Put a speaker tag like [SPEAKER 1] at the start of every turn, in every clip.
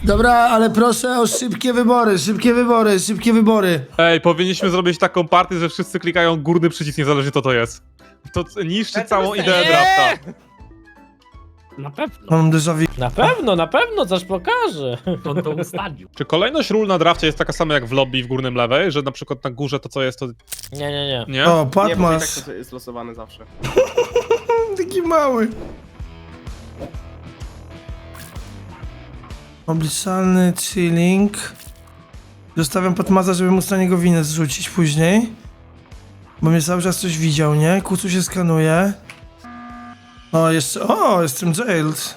[SPEAKER 1] Dobra, ale proszę o szybkie wybory, szybkie wybory, szybkie wybory.
[SPEAKER 2] Ej, powinniśmy zrobić taką partię, że wszyscy klikają górny przycisk, niezależnie co to jest. To niszczy całą ideę drafta.
[SPEAKER 3] Na pewno.
[SPEAKER 1] Mam déjà vu.
[SPEAKER 4] Na pewno coś pokaże.
[SPEAKER 3] On to ustalił.
[SPEAKER 2] Czy kolejność ról na drafcie jest taka sama jak w lobby w górnym lewej, że na przykład na górze to co jest to...
[SPEAKER 4] Nie.
[SPEAKER 2] Nie?
[SPEAKER 1] O,
[SPEAKER 5] Nie, bo i tak
[SPEAKER 1] Patmas.
[SPEAKER 5] to jest losowane zawsze.
[SPEAKER 1] Taki mały. Obliczalny chilling. Zostawiam Patmaza, żeby móc na niego winę zrzucić później. Bo mnie cały czas coś widział, nie? Kucu się skanuje. O, jeszcze... O, jestem jailed.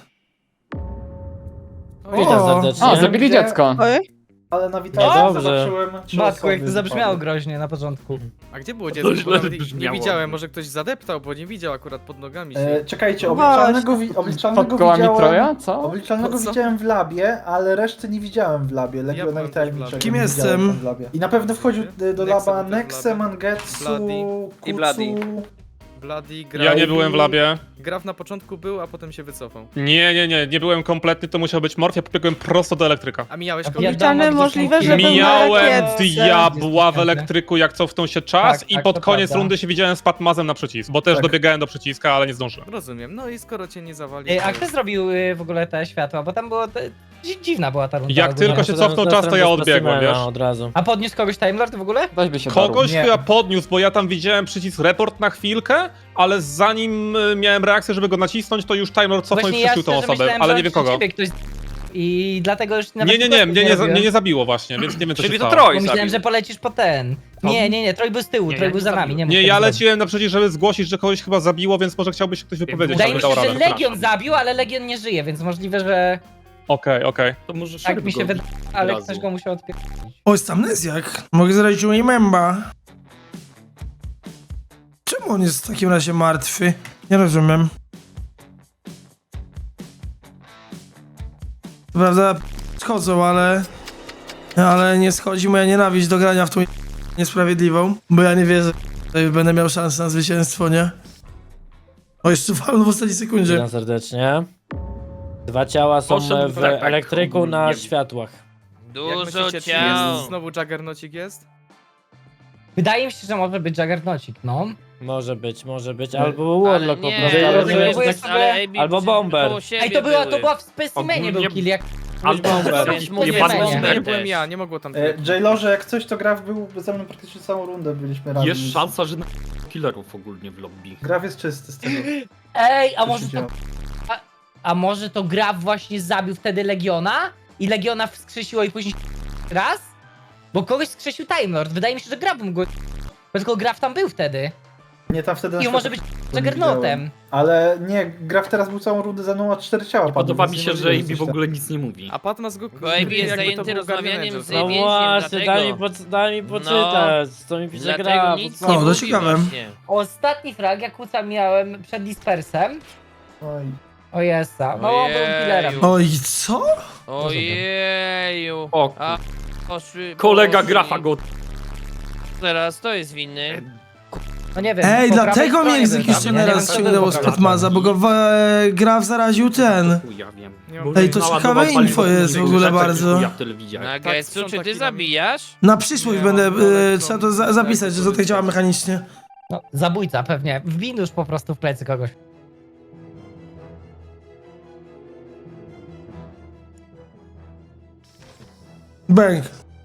[SPEAKER 4] Witam
[SPEAKER 1] O.
[SPEAKER 4] serdecznie.
[SPEAKER 6] O, zabili dziecko.
[SPEAKER 7] Ale na
[SPEAKER 4] No
[SPEAKER 7] witacji
[SPEAKER 4] dobrze.
[SPEAKER 7] zobaczyłem trzy
[SPEAKER 8] Matku, jak
[SPEAKER 7] osoby
[SPEAKER 8] to zabrzmiało
[SPEAKER 7] wypadły.
[SPEAKER 8] groźnie na początku.
[SPEAKER 9] A gdzie było
[SPEAKER 3] To
[SPEAKER 9] dziecko? Bo
[SPEAKER 3] źle
[SPEAKER 9] nawet nie
[SPEAKER 3] brzmiało.
[SPEAKER 9] widziałem, może ktoś zadeptał, bo nie widział akurat pod nogami się.
[SPEAKER 7] Czekajcie,
[SPEAKER 6] Pod kołami Troja? Co?
[SPEAKER 7] Obliczalnego
[SPEAKER 9] Co?
[SPEAKER 7] widziałem w labie, ale reszty nie widziałem w labie. Legiona
[SPEAKER 9] byłem
[SPEAKER 7] i
[SPEAKER 9] też w
[SPEAKER 7] tajemniczego.
[SPEAKER 9] labie.
[SPEAKER 1] Kim
[SPEAKER 7] nie
[SPEAKER 1] jestem?
[SPEAKER 7] widziałem w labie. I na pewno wchodził do
[SPEAKER 9] Nexe
[SPEAKER 7] laba
[SPEAKER 9] był też w
[SPEAKER 7] Nexe,
[SPEAKER 9] labie.
[SPEAKER 7] Mangetsu,
[SPEAKER 9] Bloody.
[SPEAKER 5] I Bloody.
[SPEAKER 7] Kucu.
[SPEAKER 9] Bloody,
[SPEAKER 2] Ja
[SPEAKER 9] Graf.
[SPEAKER 2] nie byłem w labie.
[SPEAKER 9] Graf na początku był, a potem się wycofał.
[SPEAKER 2] Nie byłem kompletny, to musiał być Morfia, pobiegłem prosto do elektryka.
[SPEAKER 9] A mijałeś
[SPEAKER 8] A
[SPEAKER 9] kogoś?
[SPEAKER 8] ja-
[SPEAKER 10] Obliczalny
[SPEAKER 8] Wiadomo,
[SPEAKER 10] możliwe,
[SPEAKER 8] gdzie
[SPEAKER 10] że był na
[SPEAKER 2] Mijałem
[SPEAKER 10] rakietce.
[SPEAKER 2] diabła w elektryku, jak cofnął się czas
[SPEAKER 8] Tak,
[SPEAKER 2] i
[SPEAKER 8] tak,
[SPEAKER 2] pod
[SPEAKER 8] to
[SPEAKER 2] koniec
[SPEAKER 8] prawda.
[SPEAKER 2] rundy się widziałem z Patmazem na przycisk, bo też
[SPEAKER 7] Tak.
[SPEAKER 2] dobiegałem do przyciska, ale nie zdążyłem.
[SPEAKER 9] Rozumiem, no i skoro cię nie zawali...
[SPEAKER 8] A kto zrobił w ogóle te światła? Bo tam było... Dziwna była ta runda.
[SPEAKER 2] Jak
[SPEAKER 8] ogólnie.
[SPEAKER 2] tylko się cofnął czas, to ja odbiegłem, wiesz?
[SPEAKER 4] Od razu.
[SPEAKER 8] A podniósł kogoś Time Lord w ogóle?
[SPEAKER 6] Weź by się
[SPEAKER 2] Kogoś
[SPEAKER 7] Nie.
[SPEAKER 2] chyba podniósł, bo ja tam widziałem przycisk report na chwilkę, ale zanim miałem reakcję, żeby go nacisnąć, to już Time Lord cofnął i
[SPEAKER 8] Właśnie
[SPEAKER 2] przeszył tą
[SPEAKER 8] szczerze
[SPEAKER 2] osobę,
[SPEAKER 8] myślałem,
[SPEAKER 2] ale
[SPEAKER 8] że
[SPEAKER 2] nie wiem kogo.
[SPEAKER 8] ciebie ktoś i dlatego już nawet
[SPEAKER 2] Nie, mnie
[SPEAKER 8] robiłem.
[SPEAKER 2] nie zabiło właśnie, więc nie wiem co się
[SPEAKER 5] Czyli to
[SPEAKER 2] stało.
[SPEAKER 5] Troj
[SPEAKER 8] Bo myślałem,
[SPEAKER 5] zabił.
[SPEAKER 8] że polecisz po ten. Nie, Troj był z tyłu,
[SPEAKER 3] Nie,
[SPEAKER 8] Troj
[SPEAKER 3] ja
[SPEAKER 8] był
[SPEAKER 3] nie
[SPEAKER 8] za nami.
[SPEAKER 3] zabiłem.
[SPEAKER 8] Nie,
[SPEAKER 2] Nie,
[SPEAKER 8] mógł
[SPEAKER 2] ja
[SPEAKER 8] tego zrobić.
[SPEAKER 2] leciłem na przeciw, żeby zgłosić, że kogoś chyba zabiło, więc może chciałby się ktoś wypowiedzieć,
[SPEAKER 8] Wydaje
[SPEAKER 2] żeby
[SPEAKER 8] mi
[SPEAKER 2] dał
[SPEAKER 8] się, że
[SPEAKER 2] radę.
[SPEAKER 8] Legion zabił, ale Legion nie żyje, więc możliwe, że
[SPEAKER 2] Okej.
[SPEAKER 3] To może
[SPEAKER 8] tak mi się
[SPEAKER 3] wydaje.
[SPEAKER 8] wydaje, ale ktoś go musiał odpierać.
[SPEAKER 1] O, jest amnezjak. Mogę zrobić remember. Czemu on jest w takim razie martwy? Nie rozumiem. Co prawda schodzą, ale nie schodzi moja nienawiść do grania w tą niesprawiedliwą, bo ja nie wierzę, że będę miał szansę na zwycięstwo, nie? O, jeszcze walnął w ostatniej sekundzie.
[SPEAKER 4] Witam serdecznie. Dwa ciała są
[SPEAKER 3] Poszedł
[SPEAKER 4] w
[SPEAKER 3] tak,
[SPEAKER 4] elektryku
[SPEAKER 3] ogólnie.
[SPEAKER 4] na światłach.
[SPEAKER 9] Jak myślicie, czy jest znowu Juggernaucik jest?
[SPEAKER 8] Wydaje mi się, że może być Juggernaucik, no.
[SPEAKER 4] Może być, albo Warlock po prostu,
[SPEAKER 8] nie,
[SPEAKER 4] ale
[SPEAKER 8] nie,
[SPEAKER 4] nie wiem,
[SPEAKER 8] próbuję
[SPEAKER 4] czy tak-
[SPEAKER 8] sobie-
[SPEAKER 4] albo Bomber.
[SPEAKER 8] Ej, to była w specimenie był
[SPEAKER 3] Ogólnie-
[SPEAKER 8] kill, jak...
[SPEAKER 4] Albo Bomber.
[SPEAKER 8] Więc
[SPEAKER 3] mówię,
[SPEAKER 8] mówię,
[SPEAKER 3] pan
[SPEAKER 8] nie.
[SPEAKER 3] Bomber.
[SPEAKER 9] Nie byłem ja, nie mogło tam...
[SPEAKER 7] Jailorze, jak coś to Graf był ze mną praktycznie całą rundę, byliśmy razem.
[SPEAKER 3] Jest szansa, że na killerów ogólnie w lobby.
[SPEAKER 7] Graf jest czysty z tego.
[SPEAKER 8] Ej, a
[SPEAKER 7] co
[SPEAKER 8] może
[SPEAKER 7] się
[SPEAKER 8] to...
[SPEAKER 7] działo.
[SPEAKER 8] A może to Graf właśnie zabił wtedy Legiona? I Legiona wskrzesiło i później raz? Bo kogoś wskrzesił Time Lord. Wydaje mi się, że Graf mógł go... Bo tylko Graf tam był wtedy.
[SPEAKER 7] Nie, tam wtedy na
[SPEAKER 8] I on może być
[SPEAKER 7] światło nie
[SPEAKER 8] Juggernautem.
[SPEAKER 7] widziałem. Ale nie, Graf teraz był całą rundę ze mną, a 4 ciała padły,
[SPEAKER 3] Podoba mi
[SPEAKER 7] więc
[SPEAKER 3] się,
[SPEAKER 7] nie
[SPEAKER 3] że
[SPEAKER 7] możliwe,
[SPEAKER 3] AB
[SPEAKER 7] coś
[SPEAKER 3] w
[SPEAKER 7] tam.
[SPEAKER 3] ogóle nic nie mówi.
[SPEAKER 9] A Patmas go...
[SPEAKER 11] Bo AB jest
[SPEAKER 9] jakby to
[SPEAKER 11] zajęty
[SPEAKER 9] był
[SPEAKER 11] rozmawianiem
[SPEAKER 9] Guardian
[SPEAKER 11] z
[SPEAKER 9] Angel.
[SPEAKER 4] No
[SPEAKER 11] więźniem,
[SPEAKER 4] właśnie,
[SPEAKER 11] dlatego.
[SPEAKER 4] daj mi poczytać, co mi pisze
[SPEAKER 11] Dlatego
[SPEAKER 4] gra.
[SPEAKER 11] nic
[SPEAKER 4] po
[SPEAKER 11] nie
[SPEAKER 1] O, to
[SPEAKER 11] mówi
[SPEAKER 1] ciekawe.
[SPEAKER 11] właśnie.
[SPEAKER 8] Ostatni frag, jak Kuca miałem przed Dispersem.
[SPEAKER 7] Oj.
[SPEAKER 8] O jesa, no byłem
[SPEAKER 11] Ojeju.
[SPEAKER 8] killerem.
[SPEAKER 1] Oj, co?
[SPEAKER 11] Ojeju.
[SPEAKER 3] O,
[SPEAKER 11] A, poszły...
[SPEAKER 3] kolega
[SPEAKER 11] poszli.
[SPEAKER 3] Grafa go...
[SPEAKER 11] Teraz to jest winny.
[SPEAKER 8] No nie wiem.
[SPEAKER 1] Ej,
[SPEAKER 8] po
[SPEAKER 1] dlatego
[SPEAKER 8] prawej
[SPEAKER 1] mnie
[SPEAKER 8] stronie był
[SPEAKER 1] egzekucja
[SPEAKER 8] tam. Ja nie
[SPEAKER 1] raz
[SPEAKER 8] wiem, co
[SPEAKER 1] ściągnęło
[SPEAKER 8] było
[SPEAKER 1] z
[SPEAKER 8] po prawej
[SPEAKER 1] Patmaza, bo go Graf zaraził ten.
[SPEAKER 3] Ja wiem.
[SPEAKER 9] Nie mam
[SPEAKER 1] Ej, to
[SPEAKER 3] Naładował
[SPEAKER 1] ciekawe
[SPEAKER 3] paliwo
[SPEAKER 1] info
[SPEAKER 3] w
[SPEAKER 1] jest w ogóle
[SPEAKER 3] rzeczach,
[SPEAKER 1] bardzo.
[SPEAKER 3] Ja tyle widziałem.
[SPEAKER 11] Na
[SPEAKER 9] Tak,
[SPEAKER 11] Getsu, czy
[SPEAKER 9] sprząta
[SPEAKER 11] ty
[SPEAKER 9] kilami.
[SPEAKER 11] zabijasz?
[SPEAKER 1] Na przyszłość
[SPEAKER 9] Nie,
[SPEAKER 1] będę,
[SPEAKER 9] mam daleko.
[SPEAKER 1] trzeba to zapisać, że to tak działa mechanicznie.
[SPEAKER 8] No, zabójca pewnie. Wbin już po prostu w plecy kogoś.
[SPEAKER 1] Bang.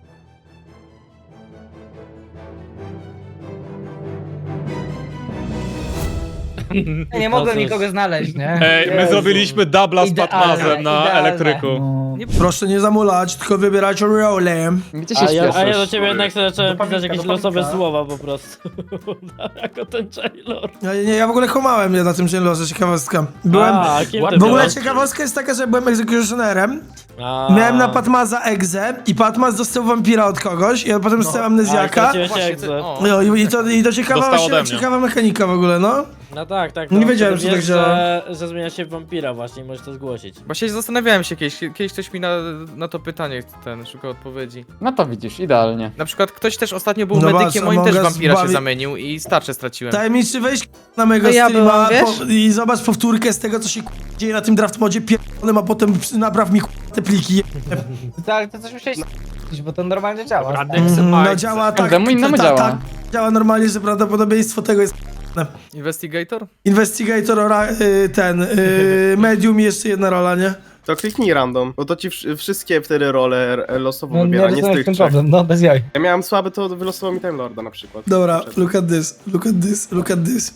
[SPEAKER 8] Nie mogłem
[SPEAKER 4] cóż.
[SPEAKER 8] nikogo znaleźć, nie?
[SPEAKER 2] Ej, my
[SPEAKER 7] Jezu.
[SPEAKER 2] zrobiliśmy dubla z
[SPEAKER 8] Idealne,
[SPEAKER 2] Patmazem na
[SPEAKER 8] idealne.
[SPEAKER 2] elektryku.
[SPEAKER 7] No.
[SPEAKER 1] Proszę nie zamulać, tylko wybierać rolę.
[SPEAKER 6] Gdzie się
[SPEAKER 4] A ja do
[SPEAKER 6] śpieszysz?
[SPEAKER 4] ciebie jednak sobie zacząłem
[SPEAKER 7] Dopaminka,
[SPEAKER 4] pisać jakieś
[SPEAKER 7] dopaminka.
[SPEAKER 4] losowe słowa po prostu. Jako ten Jailor.
[SPEAKER 1] Ja w ogóle kłamałem na tym Jailorze, ciekawostka. Byłem...
[SPEAKER 4] A, kim ty
[SPEAKER 1] W ogóle
[SPEAKER 4] byłeś?
[SPEAKER 1] ciekawostka jest taka, że byłem egzekucjonerem.
[SPEAKER 4] A.
[SPEAKER 1] Miałem na Patmaza egzę i Patmaz dostał wampira od kogoś, ja potem dostałem
[SPEAKER 4] A,
[SPEAKER 1] amnezjaka.
[SPEAKER 4] straciłeś
[SPEAKER 9] Właśnie,
[SPEAKER 4] egzę.
[SPEAKER 9] o.
[SPEAKER 1] No i to ciekawa,
[SPEAKER 2] Dostał ode mnie.
[SPEAKER 1] ciekawa mechanika w ogóle, no.
[SPEAKER 4] No tak, tak.
[SPEAKER 1] Nie
[SPEAKER 4] no,
[SPEAKER 1] wiedziałem,
[SPEAKER 4] wtedy
[SPEAKER 1] że tak
[SPEAKER 4] wiesz,
[SPEAKER 1] działa.
[SPEAKER 4] że zmienia się w wampira właśnie i możesz to zgłosić.
[SPEAKER 9] Właśnie zastanawiałem się kiedyś ktoś mi na to pytanie szukał odpowiedzi.
[SPEAKER 6] No to widzisz, idealnie.
[SPEAKER 9] Na przykład ktoś też ostatnio był
[SPEAKER 1] No
[SPEAKER 9] medykiem,
[SPEAKER 1] patrz,
[SPEAKER 9] moim też
[SPEAKER 1] Among Us
[SPEAKER 9] wampira się
[SPEAKER 1] bawi-
[SPEAKER 9] zamienił i starcze straciłem.
[SPEAKER 1] Tajemniczy, weź na mojego
[SPEAKER 5] A ja
[SPEAKER 1] streama
[SPEAKER 5] byłam, wiesz?
[SPEAKER 1] i zobacz powtórkę z tego, co się dzieje na tym draft modzie pierdolonym, a potem napraw mi te pliki.
[SPEAKER 8] Tak, to coś musiałeś bo to normalnie działa.
[SPEAKER 1] No działa tak,
[SPEAKER 6] Każdemu innemu działa.
[SPEAKER 1] tak, działa normalnie, że prawdopodobieństwo tego jest
[SPEAKER 9] Investigator?
[SPEAKER 1] Investigator, Medium i jeszcze jedna rola, nie?
[SPEAKER 10] To kliknij random, bo to ci wszystkie wtedy role losowo
[SPEAKER 8] No nie
[SPEAKER 10] wybiera, nie z
[SPEAKER 8] rozumiem
[SPEAKER 10] tych
[SPEAKER 8] ten
[SPEAKER 10] trzech.
[SPEAKER 8] problem, no bez jaj.
[SPEAKER 10] Ja miałem słabe, to wylosował mi Time Lorda na przykład.
[SPEAKER 1] Dobra, look at this.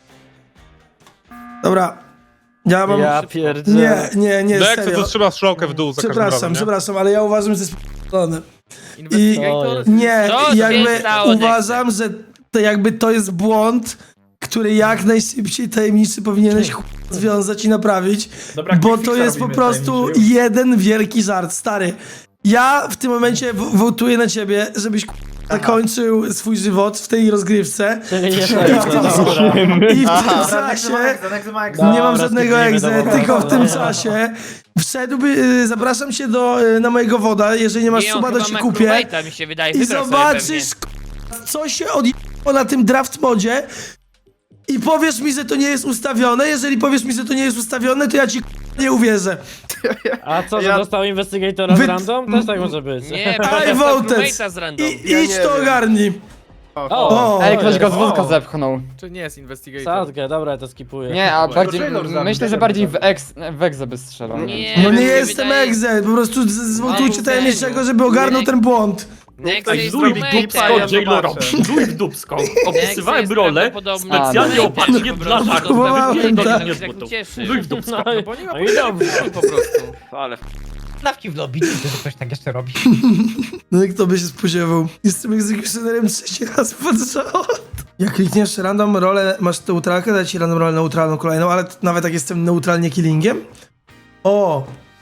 [SPEAKER 1] Dobra, ja mam...
[SPEAKER 4] Ja pierdzielę.
[SPEAKER 1] Nie,
[SPEAKER 2] Dexy
[SPEAKER 1] serio.
[SPEAKER 2] to trzyma strzałkę w dół za każdym razem, nie?
[SPEAKER 1] Przepraszam, ale ja uważam, że jest p***lony.
[SPEAKER 9] Investigator?
[SPEAKER 1] Nie,
[SPEAKER 11] Co się
[SPEAKER 1] jakby
[SPEAKER 11] stało,
[SPEAKER 1] uważam, że to jest błąd, który jak najszybciej tajemniczy powinieneś związać i naprawić,
[SPEAKER 7] Dobra,
[SPEAKER 1] bo
[SPEAKER 7] quick
[SPEAKER 1] to
[SPEAKER 7] fixa
[SPEAKER 1] jest po
[SPEAKER 7] robimy,
[SPEAKER 1] prostu
[SPEAKER 7] tajemniczy.
[SPEAKER 1] jeden wielki żart, stary. Ja w tym momencie wołtuję na ciebie, żebyś zakończył swój żywot w tej rozgrywce
[SPEAKER 4] Czyli nie
[SPEAKER 1] i w tym, i w tym czasie nie mam żadnego egze, tylko w tym czasie zapraszam cię na mojego woda, jeżeli nie masz
[SPEAKER 11] Nie, on
[SPEAKER 1] suba, to
[SPEAKER 11] chyba
[SPEAKER 1] ci
[SPEAKER 11] ma
[SPEAKER 1] kupię
[SPEAKER 11] crewmate'a, mi się wydaje,
[SPEAKER 1] i
[SPEAKER 11] wybrał sobie
[SPEAKER 1] zobaczysz, co się odjechało na tym draft modzie i powiesz mi, że to nie jest ustawione. Jeżeli powiesz mi, że to nie jest ustawione, to ja ci nie uwierzę.
[SPEAKER 4] A co, że
[SPEAKER 10] Ja-
[SPEAKER 4] dostał Investigatora
[SPEAKER 1] Wy-
[SPEAKER 4] z random? Też tak może być.
[SPEAKER 11] pewnie. Nie,
[SPEAKER 1] I
[SPEAKER 11] bo dostał
[SPEAKER 1] voted.
[SPEAKER 11] crewmate'a z random.
[SPEAKER 10] Ja
[SPEAKER 1] Idź
[SPEAKER 10] nie
[SPEAKER 1] to
[SPEAKER 10] wiem.
[SPEAKER 1] ogarnij.
[SPEAKER 4] O,
[SPEAKER 6] Ej, ktoś go z
[SPEAKER 4] o.
[SPEAKER 6] wózka zepchnął.
[SPEAKER 9] Czy nie jest Investigator?
[SPEAKER 4] Sadkę, dobra, ja to skipuję.
[SPEAKER 6] Nie, a bardziej,
[SPEAKER 7] Taylor zabił,
[SPEAKER 6] myślę, że
[SPEAKER 7] Taylor
[SPEAKER 6] bardziej
[SPEAKER 7] zabił.
[SPEAKER 6] w egzę by strzelał.
[SPEAKER 11] Nie,
[SPEAKER 1] No
[SPEAKER 11] mi
[SPEAKER 1] nie
[SPEAKER 11] się
[SPEAKER 1] jestem
[SPEAKER 11] wydaje-
[SPEAKER 1] egze, po prostu zwołtujcie
[SPEAKER 11] Ale
[SPEAKER 1] tajemniczego,
[SPEAKER 11] serio.
[SPEAKER 1] żeby ogarnął
[SPEAKER 11] Nie.
[SPEAKER 1] ten błąd.
[SPEAKER 11] Nexy jest
[SPEAKER 3] Luj w
[SPEAKER 11] crewmate'em.
[SPEAKER 3] dupsko, Jailora, luj w dupsko. Opisywałem
[SPEAKER 11] jest
[SPEAKER 3] rolę
[SPEAKER 11] prawdopodobnie
[SPEAKER 3] specjalnie
[SPEAKER 11] crewmate'em,
[SPEAKER 3] opatrznie
[SPEAKER 11] po
[SPEAKER 3] dla
[SPEAKER 11] prostu
[SPEAKER 3] żartu.
[SPEAKER 1] Próbowałem,
[SPEAKER 11] dostał
[SPEAKER 1] tak.
[SPEAKER 11] crewmate'a, się tak cieszy.
[SPEAKER 3] Luj w dupsko.
[SPEAKER 4] No i,
[SPEAKER 9] Bo nie ma
[SPEAKER 4] no i dobrze.
[SPEAKER 9] po prostu.
[SPEAKER 3] Ale
[SPEAKER 8] Dawki w lobby, widzę, że ktoś tak jeszcze robi.
[SPEAKER 1] No i kto by się spodziewał? Jestem egzekucjonerem trzeci raz pod rząd. Jak klikniesz random rolę, masz neutralkę, daje ci random rolę neutralną kolejną, ale nawet jak jestem neutralnie killingiem? O,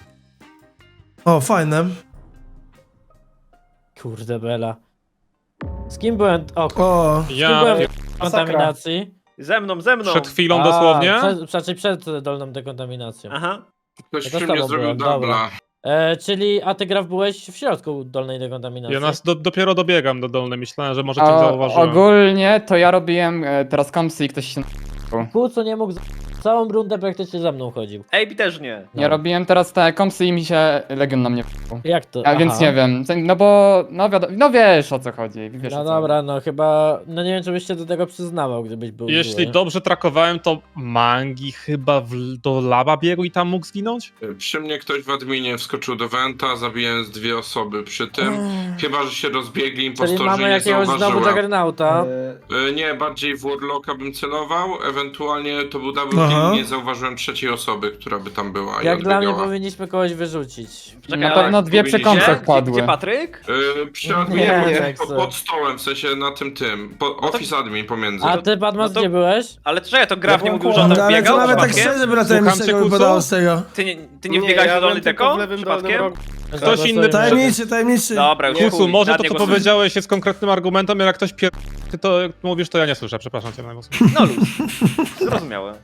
[SPEAKER 1] fajne.
[SPEAKER 4] Kurde bela. Z kim byłem? O,
[SPEAKER 1] O,
[SPEAKER 4] z kim
[SPEAKER 2] Ja
[SPEAKER 4] byłem w kontaminacji?
[SPEAKER 9] Ze mną!
[SPEAKER 2] przed chwilą dosłownie.
[SPEAKER 4] Przed dolną dekontaminacją.
[SPEAKER 9] Aha.
[SPEAKER 12] Ktoś
[SPEAKER 4] Ja to
[SPEAKER 12] przy
[SPEAKER 4] z tobą
[SPEAKER 12] mnie zrobił
[SPEAKER 4] byłem, dobra.
[SPEAKER 12] dubla.
[SPEAKER 4] Czyli, a ty Graf byłeś w środku dolnej dekontaminacji?
[SPEAKER 2] Ja dopiero dobiegam do dolnej, myślałem, że może cię zauważyłem.
[SPEAKER 6] Ogólnie to ja robiłem teraz komsy i ktoś się...
[SPEAKER 4] Kłóco nie mógł całą rundę praktycznie za mną chodził.
[SPEAKER 9] Ejbi też nie.
[SPEAKER 6] Ja robiłem teraz te komsy i mi się Legion na mnie wpał.
[SPEAKER 4] Jak to?
[SPEAKER 6] A więc
[SPEAKER 4] Aha.
[SPEAKER 6] nie wiem, no bo, no wiesz o co chodzi, wiesz o
[SPEAKER 4] No
[SPEAKER 6] co.
[SPEAKER 4] dobra, no chyba, no nie wiem czy byś się do tego przyznawał, gdybyś był
[SPEAKER 2] Jeśli
[SPEAKER 4] zły.
[SPEAKER 2] dobrze trakowałem, to Mangi chyba do laba biegł i tam mógł zginąć?
[SPEAKER 12] Przy mnie ktoś w adminie wskoczył do Venta, zabiłem z 2 osoby przy tym. Chyba, że się rozbiegli
[SPEAKER 4] Czyli
[SPEAKER 12] impostorzy
[SPEAKER 4] mamy
[SPEAKER 12] nie
[SPEAKER 4] jakiegoś znowu
[SPEAKER 12] zauważyłem.
[SPEAKER 4] Juggernauta.
[SPEAKER 12] Nie, bardziej w Warlocka bym celował, ewentualnie to był double
[SPEAKER 1] Aha.
[SPEAKER 12] kill, nie zauważyłem trzeciej osoby, która by tam była i
[SPEAKER 4] Jak dla mnie
[SPEAKER 12] odbiegała.
[SPEAKER 4] powinniśmy kogoś wyrzucić.
[SPEAKER 6] Na pewno dwie przy komsach padły.
[SPEAKER 9] Patryk?
[SPEAKER 12] Przy adminie,
[SPEAKER 4] Nie,
[SPEAKER 12] pod stołem, w sensie na tym, office admin pomiędzy.
[SPEAKER 4] A ty Padmas
[SPEAKER 9] no to-
[SPEAKER 4] gdzie byłeś?
[SPEAKER 9] Ale czekaj, to Graf nie mówił, że
[SPEAKER 1] no,
[SPEAKER 9] on tak
[SPEAKER 1] ale
[SPEAKER 9] biegał
[SPEAKER 1] to nawet tak
[SPEAKER 9] przypadkiem?
[SPEAKER 1] szczerze by na
[SPEAKER 2] Słucham
[SPEAKER 1] tajemniczego
[SPEAKER 2] cię, Kucu?
[SPEAKER 1] wypadało z tego.
[SPEAKER 9] Ty nie wbiegałeś do dolnej deko? Przypadkiem?
[SPEAKER 2] Ktoś inny
[SPEAKER 1] Tajemniczy.
[SPEAKER 9] Dobra, już
[SPEAKER 2] Kucu,
[SPEAKER 9] chuj,
[SPEAKER 2] może
[SPEAKER 9] nad
[SPEAKER 2] to
[SPEAKER 9] nie
[SPEAKER 2] co
[SPEAKER 9] głosuję.
[SPEAKER 2] powiedziałeś jest konkretnym argumentem, ale jak ktoś ty to mówisz, to ja nie słyszę, przepraszam cię na głos.
[SPEAKER 9] No luz. Zrozumiałe.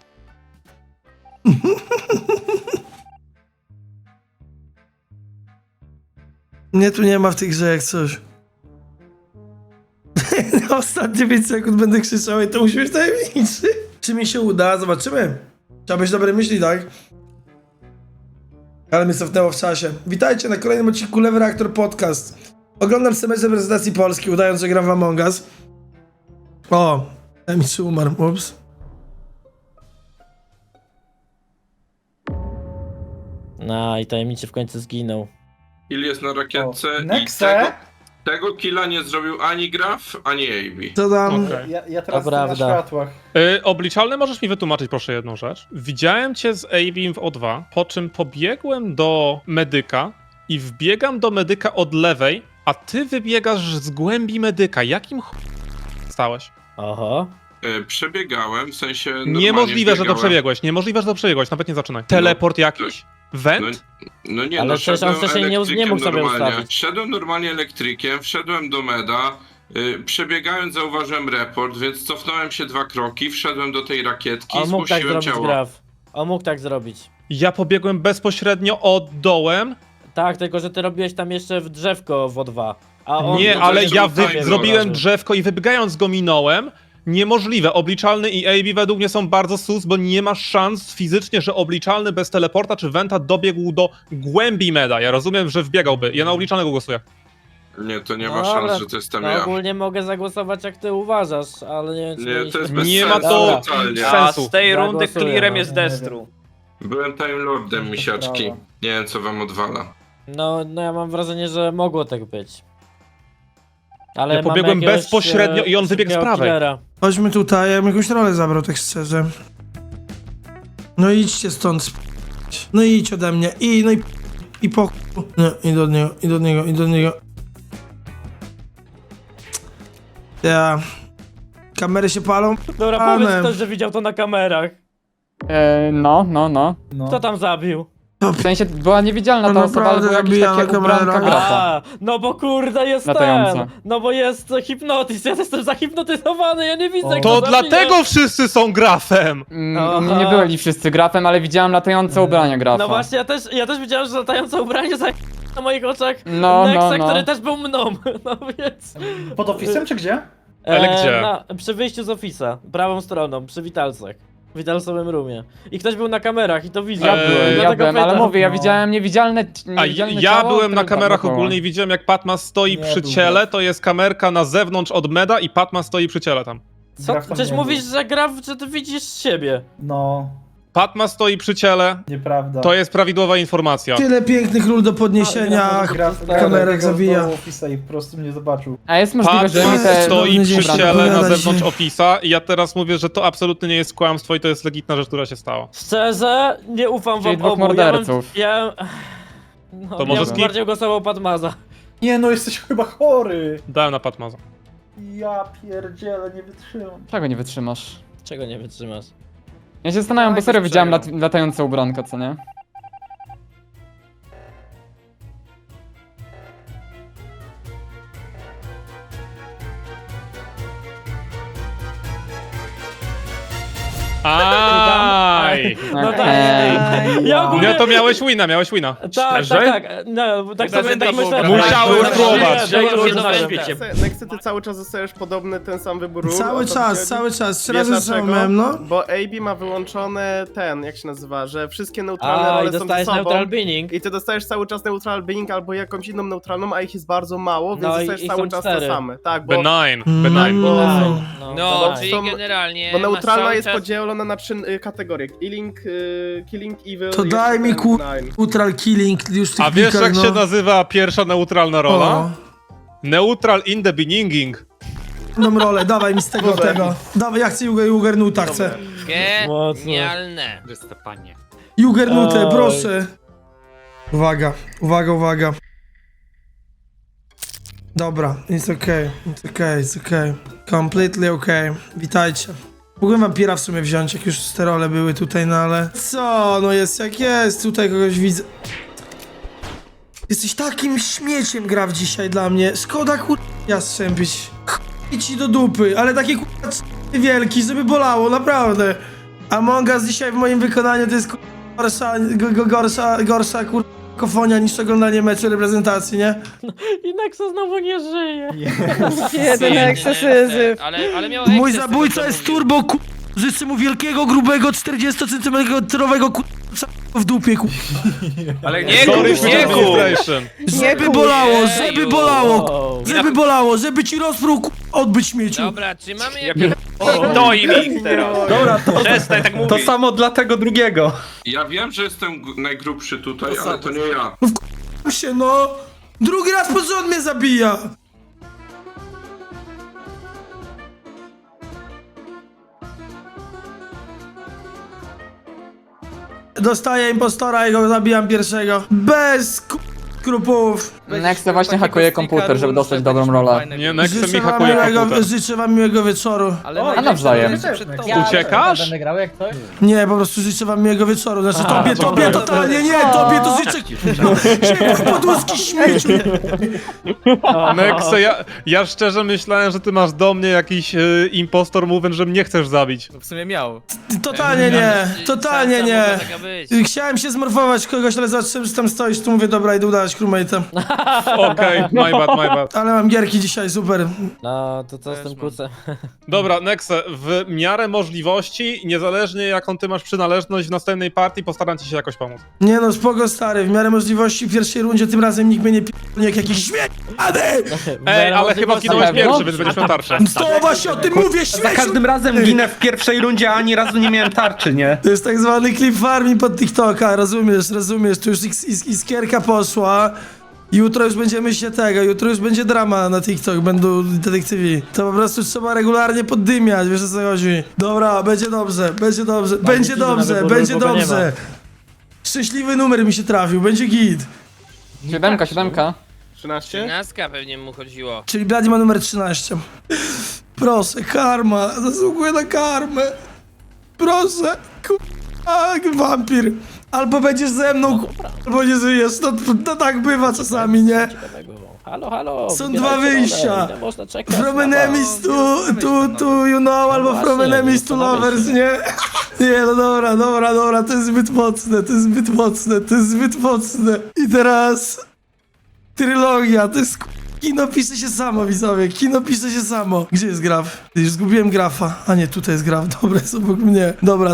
[SPEAKER 1] Mnie tu nie ma w tej grze jak coś. Na ostatnie 5 sekund będę krzyczał i to musi być tajemniczy. Czy mi się uda? Zobaczymy. Trzeba być dobrej myśli, tak? Ale mnie cofnęło w czasie. Witajcie na kolejnym odcinku Lewy Reaktor Podcast. Oglądam semestr reprezentacji Polski, udając, że gram w Among Us. O, tajemniczy umarł, ups.
[SPEAKER 4] No i tajemniczy w końcu zginął.
[SPEAKER 12] Kill jest na rakietce
[SPEAKER 7] O,
[SPEAKER 12] i
[SPEAKER 7] Nexe?
[SPEAKER 12] tego killa nie zrobił ani Graf, ani AB.
[SPEAKER 1] Co tam?
[SPEAKER 2] Okej.
[SPEAKER 7] Ja teraz
[SPEAKER 4] To
[SPEAKER 7] jestem na
[SPEAKER 4] prawda.
[SPEAKER 7] światłach.
[SPEAKER 2] Obliczalny, możesz mi wytłumaczyć proszę jedną rzecz? Widziałem cię z Avim w O2, po czym pobiegłem do medyka i wbiegam do medyka od lewej, a ty wybiegasz z głębi medyka. Jakim stałeś?
[SPEAKER 4] Oho.
[SPEAKER 12] Przebiegałem, w sensie normalnie
[SPEAKER 2] Niemożliwe, że to
[SPEAKER 12] biegałem.
[SPEAKER 2] przebiegłeś. Niemożliwe, że to przebiegłeś. Nawet nie zaczynaj. Teleport jakiś? Went?
[SPEAKER 12] No nie,
[SPEAKER 4] Ale
[SPEAKER 12] no
[SPEAKER 4] przecież on
[SPEAKER 12] szedłem
[SPEAKER 4] wcześniej nie mógł
[SPEAKER 12] elektrykiem
[SPEAKER 4] sobie
[SPEAKER 12] normalnie.
[SPEAKER 4] ustawić.
[SPEAKER 12] Szedłem normalnie elektrykiem, wszedłem do meda, Przebiegając zauważyłem report, więc cofnąłem się 2 kroki, wszedłem do tej rakietki i
[SPEAKER 4] On mógł tak
[SPEAKER 12] spuściłem
[SPEAKER 4] zrobić,
[SPEAKER 12] ciało.
[SPEAKER 4] Graf. On mógł tak zrobić.
[SPEAKER 2] Ja pobiegłem bezpośrednio od dołem.
[SPEAKER 4] Tak, tylko że ty robiłeś tam jeszcze w drzewko w O2. A on
[SPEAKER 2] Nie,
[SPEAKER 12] to
[SPEAKER 2] ale
[SPEAKER 12] jeszcze
[SPEAKER 2] ja
[SPEAKER 12] tutaj
[SPEAKER 2] zrobiłem
[SPEAKER 4] było.
[SPEAKER 2] drzewko i wybiegając go minąłem. Niemożliwe. Obliczalny i AB według mnie są bardzo sus, bo nie ma szans fizycznie, że obliczalny bez teleporta czy Wenta dobiegł do głębi meda. Ja rozumiem, że wbiegałby. Ja na obliczalnego głosuję.
[SPEAKER 12] Nie, to nie
[SPEAKER 4] No
[SPEAKER 12] ma
[SPEAKER 4] dobra,
[SPEAKER 12] szans, że to jestem
[SPEAKER 4] No
[SPEAKER 12] ja.
[SPEAKER 4] ogólnie mogę zagłosować jak ty uważasz, ale nie wiem czy
[SPEAKER 12] Nie, to jest
[SPEAKER 4] mieliśmy-
[SPEAKER 12] bez
[SPEAKER 2] Nie ma
[SPEAKER 12] sensu
[SPEAKER 2] to
[SPEAKER 12] totalnie.
[SPEAKER 2] sensu.
[SPEAKER 3] z tej rundy
[SPEAKER 4] Zagłosuję,
[SPEAKER 3] clearem
[SPEAKER 4] no.
[SPEAKER 3] jest Destru.
[SPEAKER 12] Byłem Time Lordem, misiaczki.
[SPEAKER 7] Brawo.
[SPEAKER 12] Nie wiem, co wam odwala.
[SPEAKER 4] No ja mam wrażenie, że mogło tak być. Ale
[SPEAKER 2] Ja
[SPEAKER 4] mamy
[SPEAKER 2] pobiegłem
[SPEAKER 4] jakiegoś,
[SPEAKER 2] bezpośrednio i on wybiegł z
[SPEAKER 4] szybkiego
[SPEAKER 2] prawej.
[SPEAKER 4] killera.
[SPEAKER 1] Chodźmy tutaj, ja bym jakąś rolę zabrał, tak szczerze. No idźcie stąd, no idź ode mnie, i po... Nie, i do niego. Ja... Kamery się palą?
[SPEAKER 4] Dobra,
[SPEAKER 1] Panem.
[SPEAKER 4] powiedz ktoś, że widział to na kamerach.
[SPEAKER 6] No.
[SPEAKER 7] No.
[SPEAKER 4] Kto tam zabił?
[SPEAKER 6] W sensie była niewidzialna
[SPEAKER 1] No
[SPEAKER 6] ta osoba, ale
[SPEAKER 1] naprawdę
[SPEAKER 6] była jakaś
[SPEAKER 1] zabija na
[SPEAKER 6] taka ubranka
[SPEAKER 1] kamerach.
[SPEAKER 6] grafa.
[SPEAKER 4] A, no bo kurde jest
[SPEAKER 6] Latająca.
[SPEAKER 4] ten. No bo jest hipnotyzm, ja jestem zahipnotyzowany, ja nie widzę
[SPEAKER 7] O.
[SPEAKER 4] kto
[SPEAKER 2] To
[SPEAKER 4] zabija.
[SPEAKER 2] dlatego wszyscy są grafem!
[SPEAKER 6] U mnie nie byli wszyscy grafem, ale widziałem latające ubrania grafa.
[SPEAKER 4] No właśnie, ja też widziałem, że latające ubranie za na moich oczach
[SPEAKER 6] No,
[SPEAKER 4] Nexa,
[SPEAKER 6] no.
[SPEAKER 4] który też był mną, no więc...
[SPEAKER 7] Pod ofisem czy gdzie?
[SPEAKER 2] Ale gdzie?
[SPEAKER 4] Przy wyjściu z ofisa, prawą stroną, przy witalcach. W witalsowym roomie. I ktoś był na kamerach i to widział.
[SPEAKER 6] Ja byłem,
[SPEAKER 4] dlatego
[SPEAKER 6] ale
[SPEAKER 4] pytam.
[SPEAKER 6] mówię, ja
[SPEAKER 7] No.
[SPEAKER 6] widziałem niewidzialne
[SPEAKER 2] A
[SPEAKER 6] niewidzialne
[SPEAKER 2] ja
[SPEAKER 6] ciało,
[SPEAKER 2] byłem na
[SPEAKER 6] które
[SPEAKER 2] kamerach
[SPEAKER 6] dookoła.
[SPEAKER 2] ogólnie i widziałem jak Patmas stoi
[SPEAKER 7] Nie,
[SPEAKER 2] przy
[SPEAKER 7] był
[SPEAKER 2] ciele,
[SPEAKER 7] graf.
[SPEAKER 2] to jest kamerka na zewnątrz od meda i Patmas stoi przy ciele tam.
[SPEAKER 4] Co?
[SPEAKER 7] Graf tam
[SPEAKER 4] Przecież
[SPEAKER 7] nie
[SPEAKER 4] mówisz,
[SPEAKER 7] był.
[SPEAKER 4] że Graf, że ty widzisz siebie.
[SPEAKER 7] No,
[SPEAKER 2] Patmas stoi przy ciele,
[SPEAKER 7] nieprawda.
[SPEAKER 2] to jest prawidłowa informacja.
[SPEAKER 1] Tyle pięknych ról do podniesienia, kamerek zawija.
[SPEAKER 7] ofisa i po prostu mnie zobaczył.
[SPEAKER 6] A jest możliwe, że mi
[SPEAKER 2] Patmas
[SPEAKER 6] te...
[SPEAKER 2] stoi przy
[SPEAKER 1] Dobra,
[SPEAKER 2] ciele na
[SPEAKER 1] opowiadaj
[SPEAKER 2] zewnątrz
[SPEAKER 1] się.
[SPEAKER 2] ofisa i ja teraz mówię, że to absolutnie nie jest kłamstwo i to jest legitna rzecz, która się stała.
[SPEAKER 4] Szczerze, nie ufam
[SPEAKER 6] Czyli
[SPEAKER 4] wam
[SPEAKER 6] dwóch
[SPEAKER 4] obu.
[SPEAKER 6] morderców.
[SPEAKER 4] No,
[SPEAKER 2] To może
[SPEAKER 4] ja
[SPEAKER 2] skip?
[SPEAKER 4] bym bardziej głosował Padmaza.
[SPEAKER 7] Nie no, jesteś chyba chory.
[SPEAKER 2] Dałem na Patmasa.
[SPEAKER 7] Ja pierdzielę, nie wytrzymam.
[SPEAKER 6] Czego nie wytrzymasz?
[SPEAKER 4] Czego nie wytrzymasz?
[SPEAKER 6] Ja się zastanawiam, bo
[SPEAKER 12] Tak,
[SPEAKER 6] serio widziałem
[SPEAKER 12] przejął.
[SPEAKER 6] latające ubranka, co nie?
[SPEAKER 2] Aj!
[SPEAKER 4] No tak.
[SPEAKER 6] Okej.
[SPEAKER 4] Ja ogólnie...
[SPEAKER 2] No to miałeś wina.
[SPEAKER 4] Tak, tak. No, tak sobie tak myślę.
[SPEAKER 2] Musiałem spróbować.
[SPEAKER 10] Nexy, ty cały czas zostajesz podobny, ten sam wybór ról.
[SPEAKER 1] Cały
[SPEAKER 10] o co
[SPEAKER 1] czas,
[SPEAKER 10] chodzi?
[SPEAKER 1] cały czas, 3
[SPEAKER 10] Wiesz
[SPEAKER 1] razy
[SPEAKER 10] dlaczego?
[SPEAKER 1] samym, no.
[SPEAKER 10] Bo AB ma wyłączone ten, jak się nazywa, że wszystkie neutralne
[SPEAKER 4] A, i
[SPEAKER 10] role są ze
[SPEAKER 4] dostajesz
[SPEAKER 10] sobą.
[SPEAKER 4] neutral binning.
[SPEAKER 10] I ty dostajesz cały czas neutral binning albo jakąś inną neutralną, a ich jest bardzo mało, więc
[SPEAKER 4] No i-
[SPEAKER 10] dostajesz
[SPEAKER 4] i
[SPEAKER 10] cały
[SPEAKER 4] są
[SPEAKER 10] czas
[SPEAKER 4] 4.
[SPEAKER 10] te same. Tak, bo,
[SPEAKER 2] Benign.
[SPEAKER 10] bo,
[SPEAKER 11] No,
[SPEAKER 10] to
[SPEAKER 11] czyli
[SPEAKER 10] są-
[SPEAKER 11] generalnie
[SPEAKER 10] bo
[SPEAKER 11] masz
[SPEAKER 10] neutralna
[SPEAKER 11] cały
[SPEAKER 10] jest
[SPEAKER 11] czas...
[SPEAKER 10] podzielona na 3 kategorie. Killing Evil...
[SPEAKER 1] To
[SPEAKER 10] i
[SPEAKER 1] daj
[SPEAKER 10] jeszcze
[SPEAKER 1] mi
[SPEAKER 10] ten
[SPEAKER 1] kur...
[SPEAKER 10] Nine.
[SPEAKER 1] Neutral killing już w tych
[SPEAKER 2] A wiesz
[SPEAKER 1] plikach,
[SPEAKER 2] jak
[SPEAKER 1] no.
[SPEAKER 2] się nazywa pierwsza neutralna rola? Neutral in the beginning.
[SPEAKER 1] Jedną rolę, dawaj mi z tego. Dawaj, ja chcę Juggernuta, chcę.
[SPEAKER 11] Genialne.
[SPEAKER 1] Juggernutę,
[SPEAKER 4] Oj.
[SPEAKER 1] proszę. Uwaga. Dobra, it's okay. Completely okay. Witajcie. Mógłbym wampira w sumie wziąć, jak już te role były tutaj, no ale... Co? No jest jak jest, tutaj kogoś widzę. Jesteś takim śmieciem, Graf, dzisiaj dla mnie. Szkoda ja strzępić. Ci do dupy, ale taki wielki, żeby bolało, naprawdę. Among Us dzisiaj w moim wykonaniu to jest gorsza kofonia niż oglądanie meczu reprezentacji, nie?
[SPEAKER 4] I Nexa znowu nie żyje.
[SPEAKER 11] Jeden ekscesyzyw. Ale miał
[SPEAKER 1] Mój
[SPEAKER 11] eksces,
[SPEAKER 1] zabójca
[SPEAKER 11] tego, co
[SPEAKER 1] jest
[SPEAKER 11] mówił.
[SPEAKER 1] turbo życzę mu wielkiego, grubego, 40-centymetrowego w dupie
[SPEAKER 3] Ale nie
[SPEAKER 2] Sorry
[SPEAKER 3] kup,
[SPEAKER 2] for
[SPEAKER 3] nie
[SPEAKER 2] the
[SPEAKER 3] kup!
[SPEAKER 2] administration.
[SPEAKER 1] Żeby bolało, żeby bolało,
[SPEAKER 4] Wow.
[SPEAKER 1] żeby bolało, żeby ci rozprół odbyć śmieciu.
[SPEAKER 11] Dobra, czy mamy
[SPEAKER 3] Ja
[SPEAKER 11] jakieś...
[SPEAKER 3] To im ich teraz.
[SPEAKER 7] Dobra,
[SPEAKER 3] Przestań tak mówić.
[SPEAKER 7] to samo dla tego drugiego.
[SPEAKER 12] Ja wiem, że jestem najgrubszy tutaj, ale to nie ja.
[SPEAKER 1] Się no, drugi raz pod rząd mnie zabija. Dostaję impostora i go zabijam pierwszego. Bez skrupułów.
[SPEAKER 6] Nexe właśnie hakuje komputer, żeby dostać dobrą rolę.
[SPEAKER 2] Nie, Nexe mi
[SPEAKER 1] Życzę wam,
[SPEAKER 2] hakuje komputer.
[SPEAKER 1] życzę wam miłego wieczoru.
[SPEAKER 9] Ale
[SPEAKER 7] O,
[SPEAKER 6] A nawzajem.
[SPEAKER 8] Ja
[SPEAKER 2] Uciekasz?
[SPEAKER 8] będę grał jak coś.
[SPEAKER 1] Nie, po prostu życzę wam miłego wieczoru. Znaczy tobie
[SPEAKER 4] dobra.
[SPEAKER 1] totalnie nie, tobie to życzę... Ciepły podłuski śmieciu.
[SPEAKER 2] Nexe, ja szczerze myślałem, że ty masz do mnie jakiś impostor movement, że mnie chcesz zabić.
[SPEAKER 9] No w sumie miał.
[SPEAKER 1] Totalnie nie, totalnie
[SPEAKER 11] Szansa
[SPEAKER 1] nie.
[SPEAKER 11] mogła taka być.
[SPEAKER 1] Chciałem się zmorfować w kogoś, ale zobaczyłem, że tam stoisz, tu mówię, dobra, idę udawać crewmate'a.
[SPEAKER 2] Okej, my bad.
[SPEAKER 1] Ale mam gierki dzisiaj, super.
[SPEAKER 4] No, to co z tym kucem?
[SPEAKER 2] Dobra, Nexe, w miarę możliwości, niezależnie jaką ty masz przynależność w następnej partii, postaram ci się jakoś pomóc.
[SPEAKER 1] Nie no, spoko stary, w miarę możliwości w pierwszej rundzie tym razem nikt mnie nie p***nie jak jakiś śmiech.
[SPEAKER 2] Ej, ale chyba zginąłeś
[SPEAKER 6] pewno?
[SPEAKER 2] pierwszy, więc będziesz miał tarczę.
[SPEAKER 1] To właśnie o tym mówię,
[SPEAKER 7] Za
[SPEAKER 1] śmieciu!
[SPEAKER 7] każdym razem ginę w pierwszej rundzie, a ani razu nie miałem tarczy, nie?
[SPEAKER 1] To jest tak zwany clip farming pod TikToka, rozumiesz, tu już iskierka poszła. Jutro już będziemy się jutro już będzie drama na TikTok, będą detektywi. To po prostu trzeba regularnie poddymiać, wiesz o co chodzi. Dobra, będzie dobrze, będzie dobrze, będzie dobrze, będzie dobrze. Szczęśliwy numer mi się trafił, będzie git.
[SPEAKER 6] 7.
[SPEAKER 10] 13?
[SPEAKER 11] Naska pewnie mu chodziło.
[SPEAKER 1] Czyli Blady ma numer 13. Proszę, karma, zasługuję na karmę. Proszę, wampir. Albo będziesz ze mną, albo nie żyjesz, to tak bywa czasami, nie?
[SPEAKER 4] Halo,
[SPEAKER 1] Są
[SPEAKER 4] wybierajcie
[SPEAKER 1] dwa wyjścia.
[SPEAKER 4] rolę, nie można czekać.
[SPEAKER 1] From enemies to you know, albo from
[SPEAKER 4] właśnie,
[SPEAKER 1] enemies to lovers, nie? Nie, no dobra, to jest zbyt mocne, to jest zbyt mocne. I teraz... Trylogia, to jest... Kino pisze się samo, widzowie, kino pisze się samo. Gdzie jest graf? Już zgubiłem grafa. A nie, tutaj jest graf, dobra, jest obok mnie. Dobra,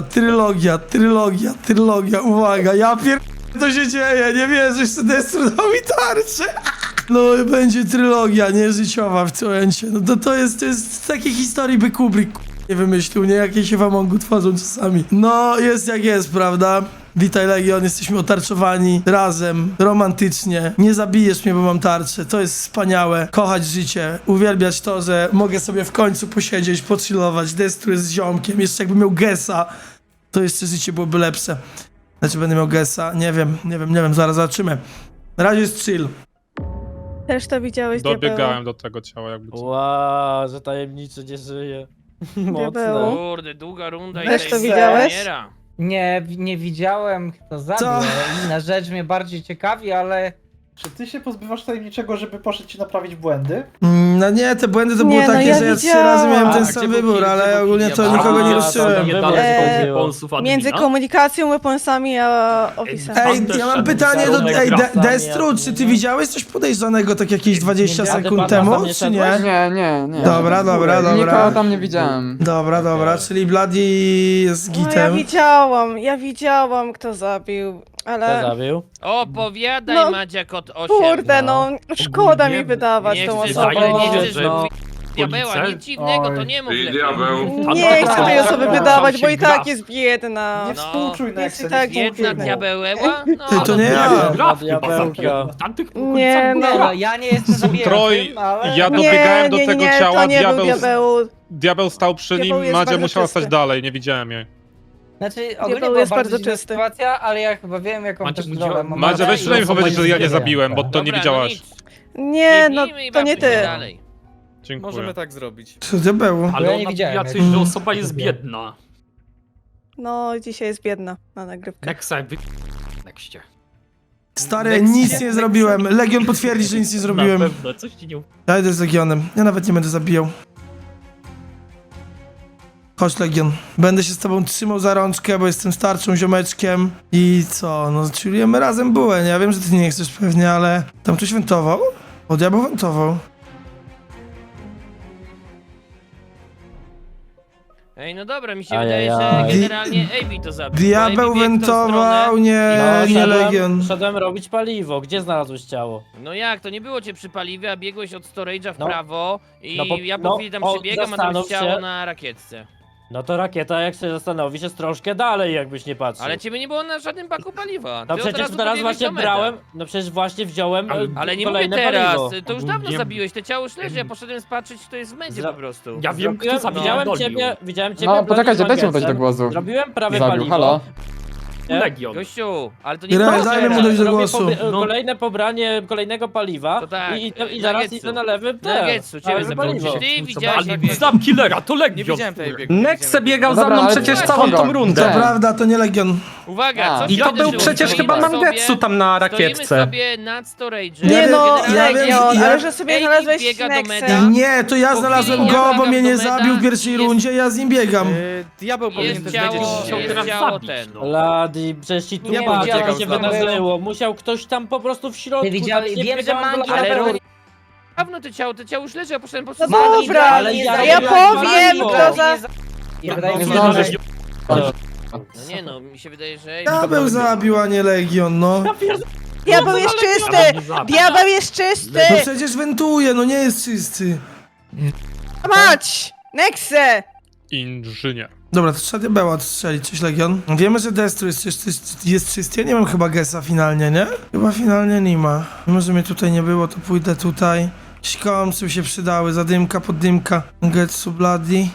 [SPEAKER 1] trylogia, uwaga, ja to się dzieje, nie wierzysz, że Destru dał mi tarczę. No i będzie trylogia, nie życiowa w momencie. No to jest z takiej historii by Kubrick nie wymyślił, nie? Jakie się wam Amongu tworzą czasami. No, jest jak jest, prawda? Witaj Legion, jesteśmy otarczowani razem, romantycznie. Nie zabijesz mnie, bo mam tarczę. To jest wspaniałe. Kochać życie, uwielbiać to, że mogę sobie w końcu posiedzieć, pochillować. Destru jest z ziomkiem. Jeszcze jakbym miał Gesa, to jeszcze życie byłoby lepsze. Znaczy będę miał Gesa, nie wiem, zaraz zobaczymy. Na razie jest chill.
[SPEAKER 5] Też to widziałeś,
[SPEAKER 2] Dobiegałem do tego ciała jakby.
[SPEAKER 4] Wow, że tajemniczy nie żyje.
[SPEAKER 5] Diabeł.
[SPEAKER 4] Mocne.
[SPEAKER 11] Kurde, długa runda i
[SPEAKER 5] Też
[SPEAKER 11] tej
[SPEAKER 5] to widziałeś?
[SPEAKER 11] umiera.
[SPEAKER 8] Nie widziałem, kto zabił.
[SPEAKER 1] Co?
[SPEAKER 8] Inna rzecz mnie bardziej ciekawi, ale...
[SPEAKER 7] Czy ty się pozbywasz tajemniczego, żeby poszedł ci naprawić błędy?
[SPEAKER 1] No nie, te błędy to było
[SPEAKER 5] Nie, no
[SPEAKER 1] takie,
[SPEAKER 5] ja
[SPEAKER 1] że ja 3
[SPEAKER 5] widziałam.
[SPEAKER 1] razy miałem ten
[SPEAKER 11] A,
[SPEAKER 1] sam
[SPEAKER 11] gdzie był
[SPEAKER 1] wybór,
[SPEAKER 11] kill?
[SPEAKER 1] ale
[SPEAKER 11] Gdzie był
[SPEAKER 1] ogólnie
[SPEAKER 11] kill?
[SPEAKER 1] to
[SPEAKER 11] Ja
[SPEAKER 1] nikogo nie
[SPEAKER 4] A,
[SPEAKER 1] ruszyłem.
[SPEAKER 5] Między komunikacją, weaponsami a ofisem.
[SPEAKER 1] Ej, ja mam pytanie do Destru, czy ty widziałeś coś podejrzanego tak jakieś 20
[SPEAKER 4] Nie,
[SPEAKER 1] sekund
[SPEAKER 4] nie,
[SPEAKER 1] temu,
[SPEAKER 4] nie,
[SPEAKER 1] czy
[SPEAKER 4] nie,
[SPEAKER 1] nie?
[SPEAKER 6] Nie.
[SPEAKER 1] Dobra.
[SPEAKER 6] Nikogo tam nie widziałem.
[SPEAKER 1] Dobra, czyli Bloody jest
[SPEAKER 5] No, ja widziałem, kto zabił,
[SPEAKER 4] Kto
[SPEAKER 5] ale...
[SPEAKER 4] zabił?
[SPEAKER 11] Opowiadaj,
[SPEAKER 5] No,
[SPEAKER 11] Madzia kot 8.
[SPEAKER 5] Kurde, no, szkoda mi wydawać
[SPEAKER 11] Nie
[SPEAKER 5] tą
[SPEAKER 11] chcesz,
[SPEAKER 5] osobę.
[SPEAKER 11] nie chcesz
[SPEAKER 4] no.
[SPEAKER 11] diabeła, nic dziwnego, to nie mów
[SPEAKER 12] I
[SPEAKER 11] lepiej.
[SPEAKER 12] diabeł.
[SPEAKER 5] Nie chcę tej osoby wydawać, bo i tak jest biedna.
[SPEAKER 7] Nie współczuj
[SPEAKER 5] Jest
[SPEAKER 7] Nexy.
[SPEAKER 5] i tak
[SPEAKER 11] Jedna
[SPEAKER 5] biedna.
[SPEAKER 11] diabeła? No,
[SPEAKER 1] Ty, to nie ja.
[SPEAKER 4] Diabełka.
[SPEAKER 5] Nie,
[SPEAKER 8] No, ja nie jestem zabijającym,
[SPEAKER 2] Troj,
[SPEAKER 8] ale...
[SPEAKER 2] ja dobiegałem do tego ciała,
[SPEAKER 5] to nie był
[SPEAKER 2] diabeł stał przy nim,
[SPEAKER 5] Diabeł jest
[SPEAKER 2] Madzia
[SPEAKER 5] bardzo
[SPEAKER 2] musiała
[SPEAKER 5] czysty.
[SPEAKER 2] stać dalej, nie widziałem jej.
[SPEAKER 8] Znaczy, ogólnie
[SPEAKER 5] Diabeł
[SPEAKER 8] była
[SPEAKER 5] jest
[SPEAKER 8] bardzo
[SPEAKER 5] bardzo
[SPEAKER 8] dziwna
[SPEAKER 5] czysty.
[SPEAKER 8] sytuacja, ale ja chyba wiem, jaką też rolę mam.
[SPEAKER 2] Madzia, weź przynajmniej powiedzieć, że ja nie zabiłem, bo to
[SPEAKER 11] Dobra,
[SPEAKER 2] nie widziałaś.
[SPEAKER 11] nic.
[SPEAKER 5] Nie, no
[SPEAKER 11] Bijmy i
[SPEAKER 5] to nie
[SPEAKER 11] bawmy się
[SPEAKER 5] ty.
[SPEAKER 11] dalej.
[SPEAKER 2] Dziękuję.
[SPEAKER 9] Możemy tak zrobić.
[SPEAKER 1] Co to było?
[SPEAKER 8] Ale ja nie widziałem.
[SPEAKER 1] coś, że
[SPEAKER 8] osoba jest biedna.
[SPEAKER 5] No, dzisiaj jest biedna na nagrywkę.
[SPEAKER 1] Stary, nic nie zrobiłem. Legion potwierdzi, że nic nie zrobiłem. Ja idę z Legionem. Ja nawet nie będę zabijał. Chodź Legion. Będę się z tobą trzymał za rączkę, bo jestem starszym ziomeczkiem. I co? No, chillujemy razem bułę, nie? Ja wiem, że ty nie chcesz pewnie, ale... Tam ktoś wentował? O, diabeł wentował.
[SPEAKER 11] Ej, no dobra, mi się
[SPEAKER 4] Ajajaj.
[SPEAKER 11] wydaje, że generalnie AB to zabił.
[SPEAKER 1] Diabeł
[SPEAKER 11] bo AB biegł w tą
[SPEAKER 1] wentował,
[SPEAKER 11] stronę.
[SPEAKER 1] nie Legion.
[SPEAKER 4] Szedłem robić paliwo. Gdzie znalazłeś ciało?
[SPEAKER 11] No jak, to nie było cię przy paliwie, a biegłeś od storage'a w
[SPEAKER 4] No.
[SPEAKER 11] prawo i
[SPEAKER 4] No bo-
[SPEAKER 11] ja po
[SPEAKER 4] no,
[SPEAKER 11] chwili tam
[SPEAKER 4] o,
[SPEAKER 11] przebiegam, a tam
[SPEAKER 4] zastanów
[SPEAKER 11] jest ciało
[SPEAKER 4] się.
[SPEAKER 11] na rakietce.
[SPEAKER 4] No to rakieta, jak się zastanowisz, jest troszkę dalej, jakbyś nie patrzył.
[SPEAKER 11] Ale ciebie nie było na żadnym baku paliwa.
[SPEAKER 4] No
[SPEAKER 11] Ty od
[SPEAKER 4] przecież
[SPEAKER 11] razu
[SPEAKER 4] teraz
[SPEAKER 11] pobiegłeś
[SPEAKER 4] właśnie
[SPEAKER 11] do mety.
[SPEAKER 4] brałem, no przecież właśnie wziąłem
[SPEAKER 11] Ale nie mówię
[SPEAKER 4] kolejne
[SPEAKER 11] teraz,
[SPEAKER 4] paliwo.
[SPEAKER 11] to już dawno zabiłeś, te ciało już leży, ja poszedłem spatrzeć, kto jest w medzie
[SPEAKER 4] Zra-
[SPEAKER 11] po prostu.
[SPEAKER 4] Ja wiem, kto
[SPEAKER 11] zabił.
[SPEAKER 4] widziałem ciebie,
[SPEAKER 6] No, poczekajcie,
[SPEAKER 4] Bloody
[SPEAKER 6] dajcie mu dać do
[SPEAKER 4] Mangesem.
[SPEAKER 6] głosu.
[SPEAKER 4] Zrobiłem prawie
[SPEAKER 6] Zabił,
[SPEAKER 4] paliwo.
[SPEAKER 6] halo.
[SPEAKER 4] Legion.
[SPEAKER 11] Gościu, ale to nie
[SPEAKER 1] Gra-
[SPEAKER 11] było
[SPEAKER 1] dajmy mu
[SPEAKER 11] teraz.
[SPEAKER 1] dojść do
[SPEAKER 4] Robię
[SPEAKER 1] głosu.
[SPEAKER 4] kolejne pobranie kolejnego paliwa
[SPEAKER 11] To tak,
[SPEAKER 4] i zaraz
[SPEAKER 11] Nuggetsu.
[SPEAKER 4] idę na lewy
[SPEAKER 11] Nuggetsu, ciebie
[SPEAKER 4] lewe paliwo.
[SPEAKER 11] Ty widziałeś jak
[SPEAKER 3] Znam killera, to
[SPEAKER 9] Nie
[SPEAKER 3] Legion.
[SPEAKER 9] widziałem tej biegu.
[SPEAKER 3] Nexe biegał
[SPEAKER 6] Dobra,
[SPEAKER 3] za mną
[SPEAKER 6] ale
[SPEAKER 3] przecież
[SPEAKER 6] co?
[SPEAKER 3] całą tą
[SPEAKER 6] Kogo?
[SPEAKER 3] rundę.
[SPEAKER 1] To
[SPEAKER 6] Tak.
[SPEAKER 1] prawda, to nie Legion.
[SPEAKER 11] Uwaga,
[SPEAKER 6] A.
[SPEAKER 11] co
[SPEAKER 3] I to
[SPEAKER 11] się
[SPEAKER 3] był
[SPEAKER 11] wydarzyło?
[SPEAKER 3] przecież
[SPEAKER 11] Stoimy
[SPEAKER 3] chyba
[SPEAKER 11] sobie-
[SPEAKER 3] Mangetsu tam na
[SPEAKER 11] Stoimy
[SPEAKER 3] rakietce.
[SPEAKER 11] sobie nad storage'em.
[SPEAKER 1] Nie no,
[SPEAKER 11] Generalnie
[SPEAKER 1] ja wiem,
[SPEAKER 5] Legion,
[SPEAKER 1] ja-
[SPEAKER 5] ale że sobie
[SPEAKER 11] Ej,
[SPEAKER 5] znalazłeś
[SPEAKER 11] biega do
[SPEAKER 5] Nexę.
[SPEAKER 11] meda.
[SPEAKER 1] Nie, to ja
[SPEAKER 11] Po
[SPEAKER 1] znalazłem
[SPEAKER 11] chwili
[SPEAKER 1] go,
[SPEAKER 11] ja
[SPEAKER 1] bo
[SPEAKER 11] biegam
[SPEAKER 1] mnie nie
[SPEAKER 11] do meda
[SPEAKER 1] zabił w pierwszej
[SPEAKER 11] i jest-
[SPEAKER 1] rundzie, ja z nim biegam.
[SPEAKER 9] Diabeł powinien
[SPEAKER 11] Jest
[SPEAKER 9] też
[SPEAKER 11] ciało,
[SPEAKER 9] wiedzieć, że chciał
[SPEAKER 11] jest
[SPEAKER 9] teraz
[SPEAKER 11] ciało
[SPEAKER 9] zabić.
[SPEAKER 11] ten.
[SPEAKER 4] Ladi, przecież ci tu
[SPEAKER 8] Nie
[SPEAKER 4] patrz, jak
[SPEAKER 8] widziałem,
[SPEAKER 4] się
[SPEAKER 8] co tam
[SPEAKER 4] wydarzyło. Musiał ktoś tam po prostu w środku.
[SPEAKER 8] Ty widziałeś,
[SPEAKER 4] tak nie
[SPEAKER 8] wiem, że
[SPEAKER 4] biegałem
[SPEAKER 8] Mangi
[SPEAKER 4] do
[SPEAKER 8] na
[SPEAKER 11] Ale
[SPEAKER 4] lewej.
[SPEAKER 8] pewno...
[SPEAKER 11] Dawno to ciało już leży, ja poszedłem po
[SPEAKER 5] No
[SPEAKER 11] prostu...
[SPEAKER 8] Mangi
[SPEAKER 5] dobra,
[SPEAKER 8] ale
[SPEAKER 4] ale
[SPEAKER 8] ja,
[SPEAKER 4] ja
[SPEAKER 5] powiem, kto za...
[SPEAKER 8] Wydaje mi się,
[SPEAKER 6] zdążę.
[SPEAKER 8] że...
[SPEAKER 11] No nie no, mi się wydaje, że...
[SPEAKER 1] Diabeł zabił, a nie Legion, no.
[SPEAKER 5] Diabeł jest czysty! Diabeł jest czysty!
[SPEAKER 1] No przecież wentuje, no nie jest czysty.
[SPEAKER 5] Mać! Nexe!
[SPEAKER 2] Inżynier.
[SPEAKER 1] Dobra, to trzeba diabeła odstrzelić, coś Legion. Wiemy, że Destru jest czysty, ja nie mam chyba Gesa finalnie, nie? Chyba finalnie nie ma. Mimo, że mnie tutaj nie było, to pójdę tutaj. Jakieś komsy się przydały, zadymka, poddymka. Getsu, Bloody.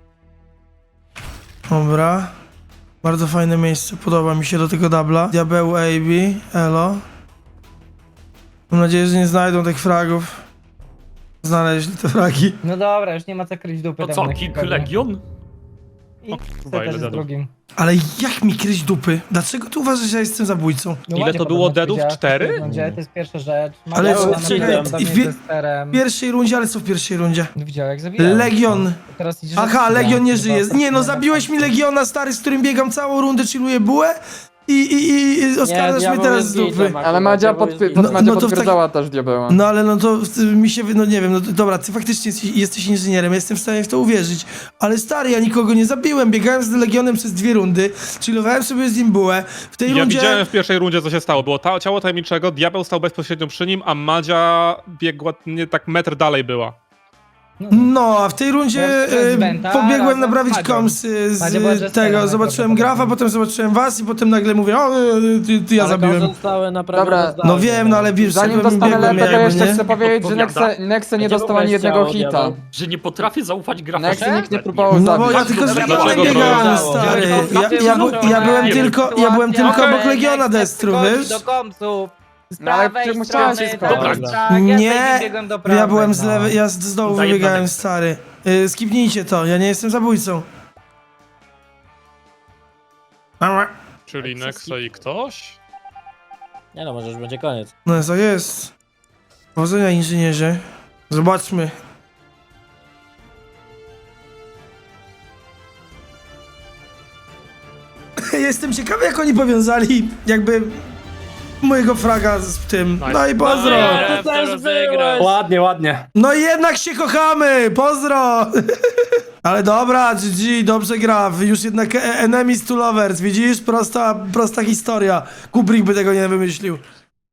[SPEAKER 1] Dobra. Bardzo fajne miejsce, podoba mi się do tego dubla. Diabeł, AB, elo. Mam nadzieję, że nie znajdą tych fragów. Znaleźli te fragi.
[SPEAKER 8] No dobra, już nie ma co kryć dupy.
[SPEAKER 3] To
[SPEAKER 8] tam
[SPEAKER 3] co,
[SPEAKER 8] na
[SPEAKER 3] Kick
[SPEAKER 8] pewno.
[SPEAKER 3] Legion?
[SPEAKER 8] I
[SPEAKER 2] Kurwa, ile
[SPEAKER 8] też jest
[SPEAKER 2] dedów.
[SPEAKER 8] drugim.
[SPEAKER 1] Ale jak mi kryć dupy? Dlaczego ty uważasz, że ja jestem zabójcą?
[SPEAKER 8] No
[SPEAKER 2] Ile
[SPEAKER 8] ładnie
[SPEAKER 2] to było
[SPEAKER 8] podobno
[SPEAKER 2] deadów?
[SPEAKER 8] powiedziałeś,
[SPEAKER 2] 4?
[SPEAKER 8] To jest pierwsza rzecz.
[SPEAKER 1] Ale
[SPEAKER 8] Magia na
[SPEAKER 1] czekaj,
[SPEAKER 8] pewno
[SPEAKER 1] i
[SPEAKER 8] z
[SPEAKER 1] wie-
[SPEAKER 8] testerem.
[SPEAKER 1] W pierwszej rundzie, ale co w pierwszej rundzie?
[SPEAKER 8] No widział jak zabijałem.
[SPEAKER 1] Legion.
[SPEAKER 8] Teraz idziesz
[SPEAKER 1] Aha,
[SPEAKER 8] od
[SPEAKER 1] Legion nie
[SPEAKER 8] chyba
[SPEAKER 1] żyje. Nie no,
[SPEAKER 8] ostatnio
[SPEAKER 1] zabiłeś
[SPEAKER 8] na
[SPEAKER 1] mi Legiona, stary, z którym biegam całą rundę, chilluję bułę i oskarżasz mnie teraz z dupy.
[SPEAKER 6] Ale Madzia potwierdzała też diabeła.
[SPEAKER 1] No ale no to mi się, no nie wiem, no to, dobra, ty faktycznie jesteś inżynierem, jestem w stanie w to uwierzyć. Ale stary, ja nikogo nie zabiłem, biegałem z Legionem przez 2 rundy, chillowałem sobie z nim bułę. W tej
[SPEAKER 2] Ja
[SPEAKER 1] rundzie...
[SPEAKER 2] widziałem w pierwszej rundzie, co się stało. Było ciało tajemniczego, diabeł stał bezpośrednio przy nim, a Madzia biegła nie tak metr dalej była.
[SPEAKER 1] No, a w tej rundzie
[SPEAKER 8] Ja z Venta
[SPEAKER 1] pobiegłem
[SPEAKER 8] razem
[SPEAKER 1] naprawić
[SPEAKER 8] z Madzią.
[SPEAKER 1] komsy
[SPEAKER 8] Madzia była
[SPEAKER 1] z
[SPEAKER 8] jesterem
[SPEAKER 1] tego, zobaczyłem grafa,
[SPEAKER 8] najprawdopodobniej.
[SPEAKER 1] potem zobaczyłem was i potem nagle mówię, o, ty ja zabiłem.
[SPEAKER 4] Zostały naprawdę
[SPEAKER 6] Dobra,
[SPEAKER 1] No wiem, no ale wiesz,
[SPEAKER 6] Zanim
[SPEAKER 1] szedłem i
[SPEAKER 6] dostanę
[SPEAKER 1] biegłem
[SPEAKER 6] lepę, to
[SPEAKER 1] jakby,
[SPEAKER 6] jeszcze
[SPEAKER 1] nie?
[SPEAKER 6] chcę powiedzieć, że Nexe nie dostał ani jednego hita.
[SPEAKER 3] Że nie potrafię zaufać grafom.
[SPEAKER 6] Nexe nikt nie próbował
[SPEAKER 1] No bo ja
[SPEAKER 6] zabić.
[SPEAKER 1] tylko z Legionem
[SPEAKER 2] Dlaczego
[SPEAKER 1] biegałem,
[SPEAKER 2] to-
[SPEAKER 1] stary.
[SPEAKER 8] Dlaczego
[SPEAKER 1] Ja byłem
[SPEAKER 8] to-
[SPEAKER 1] tylko obok
[SPEAKER 8] Okej,
[SPEAKER 1] Legiona
[SPEAKER 8] jak
[SPEAKER 1] Destru,
[SPEAKER 8] przychodzi
[SPEAKER 1] wiesz?
[SPEAKER 8] do komsów. Z
[SPEAKER 6] No, ale
[SPEAKER 8] prawej
[SPEAKER 6] musiałem
[SPEAKER 8] strony,
[SPEAKER 6] się skończyć.
[SPEAKER 8] dobra. Tak,
[SPEAKER 1] Nie,
[SPEAKER 8] ja biegłem do prawej,
[SPEAKER 1] Ja byłem z
[SPEAKER 8] no.
[SPEAKER 1] lewej, ja z dołu
[SPEAKER 3] Zajebane.
[SPEAKER 1] wybiegałem, stary. Skipnijcie to, ja nie jestem zabójcą.
[SPEAKER 2] Czyli Nexe i ktoś?
[SPEAKER 4] Nie no, może już będzie koniec.
[SPEAKER 1] No co jest? Powodzenia, inżynierze. Zobaczmy. Jestem ciekawy, jak oni powiązali jakby mojego fraga z tym. No i pozdro.
[SPEAKER 11] Graf to rozegrać.
[SPEAKER 3] Ładnie, ładnie.
[SPEAKER 1] No i jednak się kochamy! Pozdro! Ale dobra, GG, dobrze gra. Już jednak enemies to lovers, widzisz? Prosta historia. Kubrick by tego nie wymyślił.